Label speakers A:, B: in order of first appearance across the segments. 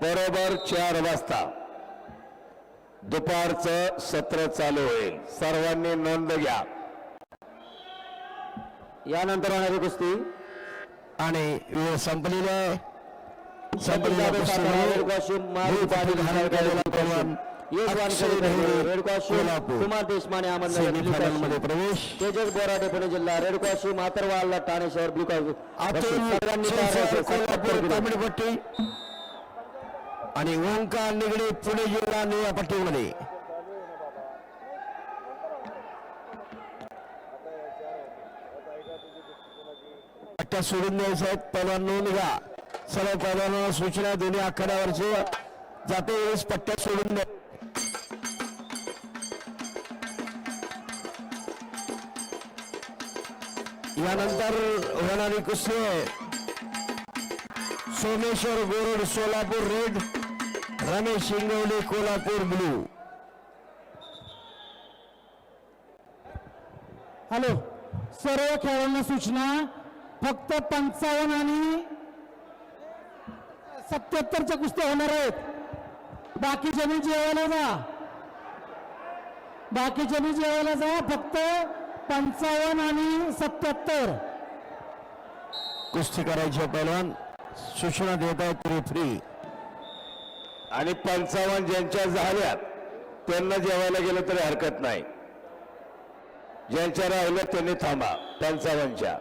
A: बरोबर 4 वाजता दुपारचं सत्र चालू होईल. सर्वांनी नोंद घ्या.
B: यानंतर होणारी कुस्ती
C: आणि वेळ संपलेला आहे.
B: कुमार देशमाने अहमदनगर
C: प्रवेश
B: तेजस बोराडे पुणे जिल्हा रेड कॉस्ट्यूम आतरवाला ठाणे शहर ब्लू
C: पट्टी आणि ओंकार निगडे पुणे जिल्हा निळ्या पट्टीमध्ये. पट्ट्या सोडून द्यायच्या आहेत. पहिलवान नोंद घ्या. सर्व पहिलवानांना सूचना दोन्ही आखाड्यावरचे जाते वेळेस पट्ट्या सोडून द्या. यानंतर होणारी कुस्ती Someshwar Gorad Solapur red, Ramesh Shingavale Kolhapur blue.
D: Hello, सर्व खेळाडूंना सूचना, फक्त 55 आणि 77च्या कुस्त्या होणार आहेत. बाकीच्यांनी जेवायला जा, बाकीच्यांनी जेवायला जा. फक्त 55 आणि 77
C: कुस्ती करायची. पहिलवान सूचना देत आहेत रेफरी.
A: आणि 55 ज्यांच्या झाल्यात त्यांना जेवायला गेलं तरी हरकत नाही. ज्यांच्या राहिलं त्यांनी थांबा. 55च्या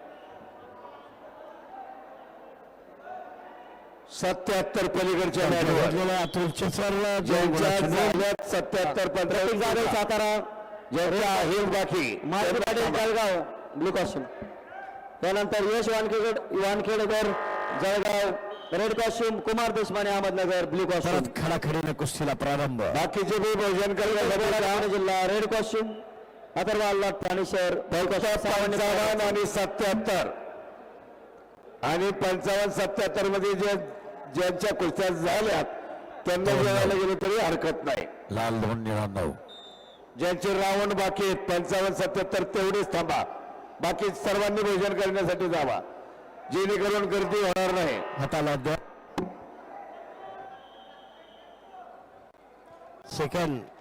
A: 77 पलीकडच्या मॅचवर
C: अतुलच्या
A: ज्यांच्या झाल्यात 77 15
B: सातारा
A: ज्यांच्या आहेत बाकी
B: मारुती पाटील जळगाव ब्लू कॉस्ट्यूम. यानंतर Yash Wankhedkar Jalgaon red costume, Kumar Deshmane Ahmednagar blue costume.
C: खडाखडीने कुस्तीला प्रारंभ.
A: बाकीचे बी भोजन करण्यासाठी
B: जिल्हा रेड कॉस्ट्यूम आतरवाला ठाणे शहर
A: 55 आणि 77 आणि 55 77 मध्ये ज्यांच्या कुस्त्या झाल्यात त्यांना जेवायला गेले तरी हरकत नाही.
C: लाल 2
A: ज्यांचे रावण बाकी आहेत 55 77 तेवढेच थांबा. बाकी सर्वांनी भोजन करण्यासाठी जावा, जेणेकरून गर्दी होणार नाही.
C: हाताला द्या. सेकंड